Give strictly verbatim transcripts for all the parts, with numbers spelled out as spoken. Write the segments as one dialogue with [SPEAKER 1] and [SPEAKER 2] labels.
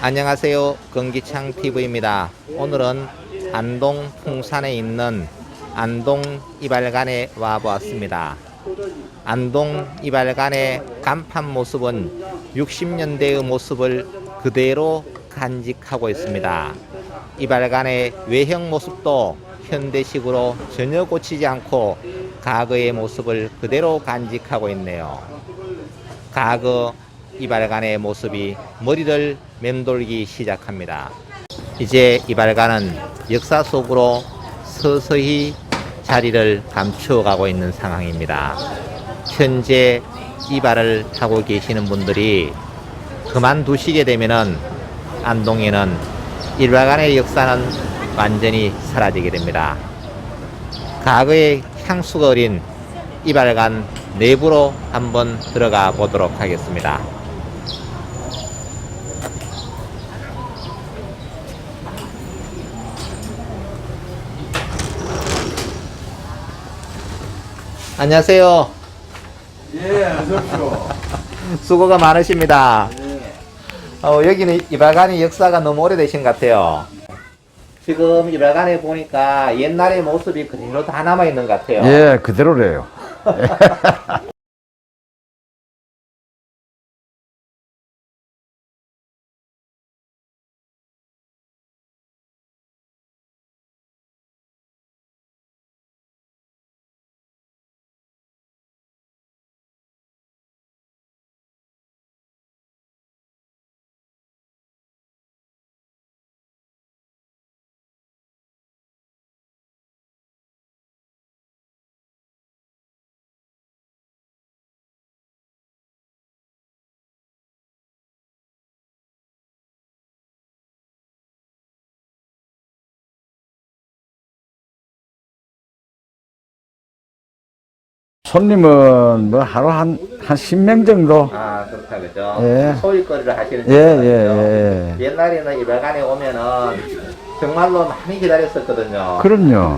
[SPEAKER 1] 안녕하세요. 건기창 티비입니다. 오늘은 안동 풍산에 있는 안동 이발관에 와보았습니다. 안동 이발관의 간판 모습은 육십 년대의 모습을 그대로 간직하고 있습니다. 이발관의 외형 모습도 현대식으로 전혀 고치지 않고 과거의 모습을 그대로 간직하고 있네요. 과거 이발관의 모습이 머리를 맴돌기 시작합니다. 이제 이발관은 역사 속으로 서서히 자리를 감추어가고 있는 상황입니다. 현재 이발을 하고 계시는 분들이 그만두시게 되면은 안동에는 이발관의 역사는 완전히 사라지게 됩니다. 과거의 향수가 어린 이발관 내부로 한번 들어가 보도록 하겠습니다. 안녕하세요.
[SPEAKER 2] 예, 어서오십시오.
[SPEAKER 1] 수고가 많으십니다.
[SPEAKER 2] 예.
[SPEAKER 1] 어, 여기는 이발관의 역사가 너무 오래되신 것 같아요. 지금 이발관에 보니까 옛날의 모습이 그대로 다 남아있는 것 같아요.
[SPEAKER 2] 예, 그대로래요. 손님은 뭐 하루 한, 한 십 명 정도?
[SPEAKER 1] 아, 그렇다, 그죠?
[SPEAKER 2] 예.
[SPEAKER 1] 소일거리를 하시는
[SPEAKER 2] 예,
[SPEAKER 1] 분들
[SPEAKER 2] 예,
[SPEAKER 1] 같아요.
[SPEAKER 2] 예.
[SPEAKER 1] 옛날에는 이발관에 오면은 정말로 많이 기다렸었거든요.
[SPEAKER 2] 그럼요.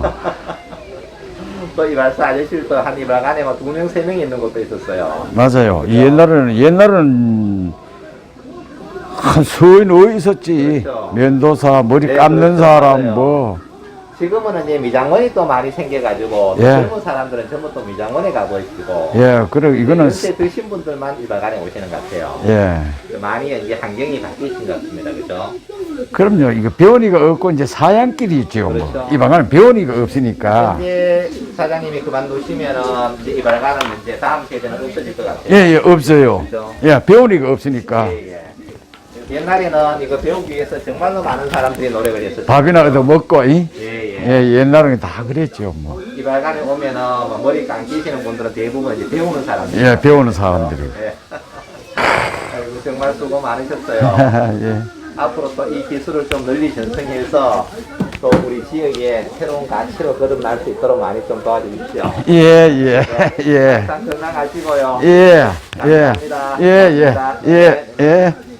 [SPEAKER 1] 또 이발사 아저씨도 한 이발관에 막 두 명, 세 명 있는 곳도 있었어요.
[SPEAKER 2] 맞아요.
[SPEAKER 1] 그죠?
[SPEAKER 2] 이 옛날에는, 옛날에는 한 서인 어디 있었지.
[SPEAKER 1] 그렇죠.
[SPEAKER 2] 면도사, 머리
[SPEAKER 1] 네,
[SPEAKER 2] 감는
[SPEAKER 1] 그렇죠.
[SPEAKER 2] 사람,
[SPEAKER 1] 맞아요.
[SPEAKER 2] 뭐.
[SPEAKER 1] 지금은 이제 미장원이 또 많이 생겨가지고
[SPEAKER 2] 예.
[SPEAKER 1] 젊은 사람들은 전부 또 미장원에 가보시고
[SPEAKER 2] 예, 그래, 이거는.
[SPEAKER 1] 연세 드신 분들만 이발관에 오시는 것 같아요.
[SPEAKER 2] 예.
[SPEAKER 1] 많이 이제 환경이 바뀌신 것 같습니다. 그죠?
[SPEAKER 2] 그럼요. 이거 배원이가 없고 이제 사양길이 있죠. 뭐.
[SPEAKER 1] 그렇죠.
[SPEAKER 2] 이 방안은 배원이가 없으니까.
[SPEAKER 1] 현재 사장님이 그만두시면은 이제 이발관은 이제 다음 세대는 없어질 것 같아요.
[SPEAKER 2] 예, 예, 없어요.
[SPEAKER 1] 그렇죠.
[SPEAKER 2] 예, 배원이가 없으니까.
[SPEAKER 1] 예, 예. 옛날에는 이거 배우기 위해서 정말로 많은 사람들이 노력을 했었죠.
[SPEAKER 2] 밥이나 얻어 먹고, 이?
[SPEAKER 1] 예, 예.
[SPEAKER 2] 예, 옛날에는 다 그랬죠, 뭐.
[SPEAKER 1] 이발관에 오면은 뭐 머리 감기시는 분들은 대부분 이제 배우는 사람들.
[SPEAKER 2] 예, 배우는 사람들이.
[SPEAKER 1] 예. 아이고, 정말 수고 많으셨어요.
[SPEAKER 2] 예.
[SPEAKER 1] 앞으로 또 이 기술을 좀 널리 전승해서 또 우리 지역에 새로운 가치로 거듭날 수 있도록 많이 좀 도와주십시오.
[SPEAKER 2] 예, 예, 예.
[SPEAKER 1] 항상 건강하시고요.
[SPEAKER 2] 예, 예,
[SPEAKER 1] 감사합니다.
[SPEAKER 2] 예, 예,
[SPEAKER 1] 감사합니다.
[SPEAKER 2] 예, 예.